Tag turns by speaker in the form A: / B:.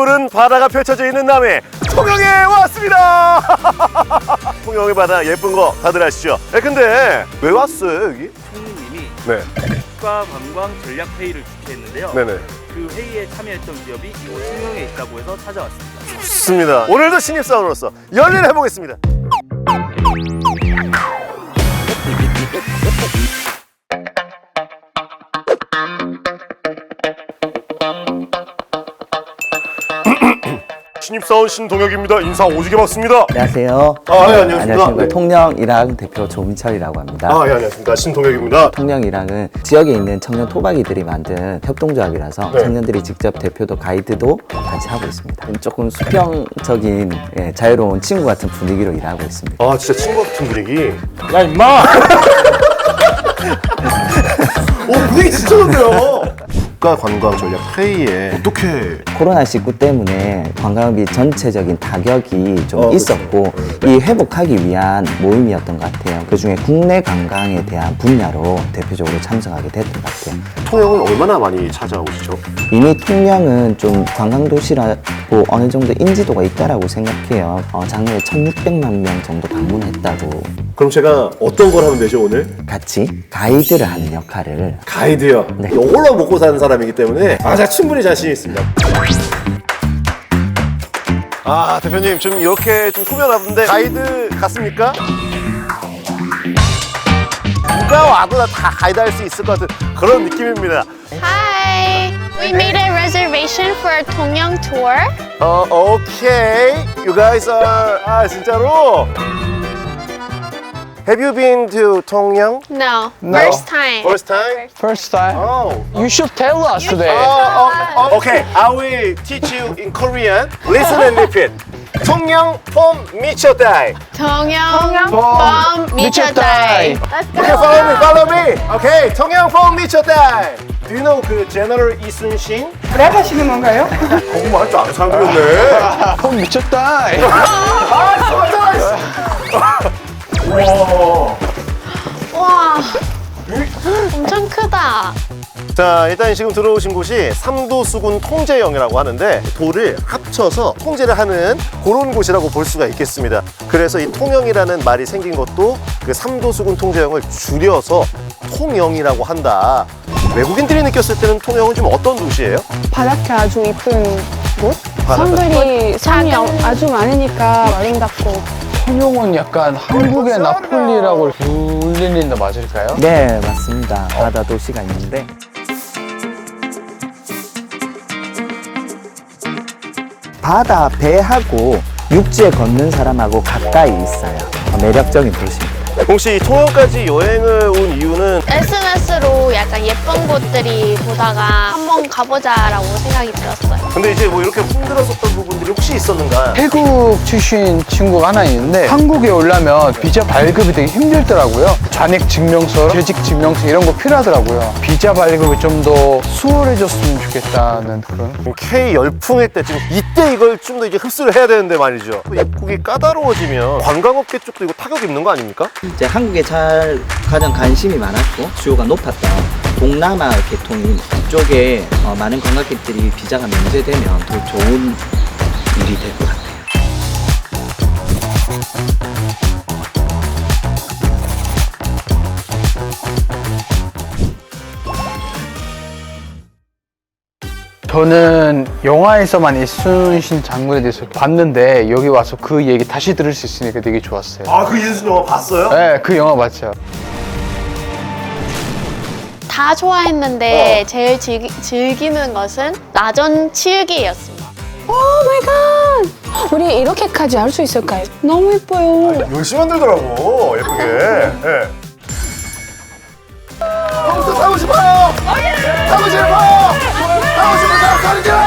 A: 푸른 바다가 펼쳐져 있는 남해 통영에 왔습니다. 통영의 바다 예쁜 거 다들 아시죠? 근데 왜 왔어요 여기?
B: 총리님이
A: 네.
B: 국가관광 전략 회의를 주최했는데요.
A: 네네.
B: 그 회의에 참여했던 기업이 이곳 통영에 있다고 해서 찾아왔습니다.
A: 좋습니다. 오늘도 신입사원으로서 열일을 해보겠습니다. 신입사원 신동혁입니다. 인사 오지게 받습니다.
C: 안녕하세요.
A: 네, 안녕하십니까.
C: 안녕하십니까.
A: 네.
C: 통영일항 대표 조민철이라고 합니다.
A: 예, 안녕하십니까. 신동혁입니다.
C: 통영일항은 지역에 있는 청년 토박이들이 만든 협동조합이라서
A: 네.
C: 청년들이 직접 대표도 가이드도 같이 하고 있습니다. 조금 수평적인 자유로운 친구 같은 분위기로 일하고 있습니다.
A: 아, 진짜 친구 같은 분위기.
D: 야 임마!
A: 오, 분위기 진짜 좋네요. 국가관광전략회의에 어떻게
C: 코로나19 때문에 관광업이 전체적인 타격이 좀 있었고 이 회복하기 위한 모임이었던 것 같아요. 그중에 국내 관광에 대한 분야로 대표적으로 참석하게 됐던 것 같아요.
A: 통영은 얼마나 많이 찾아오시죠?
C: 이미 통영은 좀 관광도시라고 어느 정도 인지도가 있다라고 생각해요. 작년에 1,600만 명 정도 방문했다고.
A: 그럼 제가 어떤 걸 하면 되죠 오늘?
C: 같이 가이드를 하는 역할을.
A: 가이드요.
C: 네.
A: 이걸로 먹고 사는 사람이기 때문에 제가 충분히 자신 있습니다. 아, 대표님 좀 이렇게 좀 꾸며놨는데 가이드 같습니까? 누가 와도 다 가이드 할 수 있을 것 같은 그런 느낌입니다.
E: Hi! We made a reservation for a Tongyang tour.
A: 오케이. You guys are... 아, 진짜로? Have you been to Tongyang?
E: No,
D: No.
E: first time.
A: First time?
D: First time.
A: Oh.
D: You should tell us today.
A: Okay, I will teach you in Korean. Listen and repeat. 통영 폼 미쳤다이.
E: Tongyang from Michotai.
A: Okay, follow me. Okay, 통영 폼 미쳤다이. Do you know 그 제너럴 이순신?
F: 랩 하시는 건가요?
A: 그거 말할 줄 아는 사람들이었네.
D: 형 미쳤다.
E: 와, 엄청 크다.
A: 자, 일단 지금 들어오신 곳이 삼도수군 통제영이라고 하는데 도를 합쳐서 통제를 하는 그런 곳이라고 볼 수가 있겠습니다. 그래서 이 통영이라는 말이 생긴 것도 그 삼도수군 통제영을 줄여서 통영이라고 한다. 외국인들이 느꼈을 때는 통영은 좀 어떤 도시예요?
F: 바닷가 아주 이쁜 곳?
A: 바닷가.
F: 사람들이 사람이 아주 많으니까 아름답고.
D: 통영은 약간 한국의 나폴리라고 불리는 데 맞을까요?
C: 네, 맞습니다. 바다 도시가 있는데 바다 배하고 육지에 걷는 사람하고 가까이 있어요. 매력적인 도시입니다.
A: 혹시 이 통영까지 여행을 온 이유는
E: SNS로 약간 예쁜 곳들이 보다가 한번 가보자라고 생각이 들었어요.
A: 근데 이제 뭐 이렇게 힘들었었던 부분들이 혹시 있었는가?
D: 태국 출신 친구가 하나 있는데 한국에 오려면 비자 발급이 되게 힘들더라고요. 잔액 증명서, 재직 증명서 이런 거 필요하더라고요. 비자 발급이 좀 더 수월해졌으면 좋겠다는 그런.
A: K 열풍일 때 지금 이때 이걸 좀 더 이제 흡수를 해야 되는데 말이죠. 입국이 까다로워지면 관광업계 쪽도 이거 타격 입는 거 아닙니까?
C: 이제 한국에 가장 관심이 많았고 수요가 높았던 동남아 계통인 이쪽에 많은 관광객들이 비자가 면제되면 더 좋은 일이 될 것 같아요.
D: 저는 영화에서만 이순신 장군에 대해서 봤는데 여기 와서 그 얘기 다시 들을 수 있으니까 되게 좋았어요.
A: 아, 그 이순신 영화 봤어요?
D: 네, 그 영화 봤죠.
E: 다 좋아했는데 제일 즐기는 것은 나전 치우기였습니다.
F: 오 마이 갓! 우리 이렇게까지 할 수 있을까요? 너무 예뻐요.
A: 열심히 만들더라고, 예쁘게. 네. 컴퓨터 타고 싶어요! 타고 싶어요! 타고 싶은 사람 소리 질러!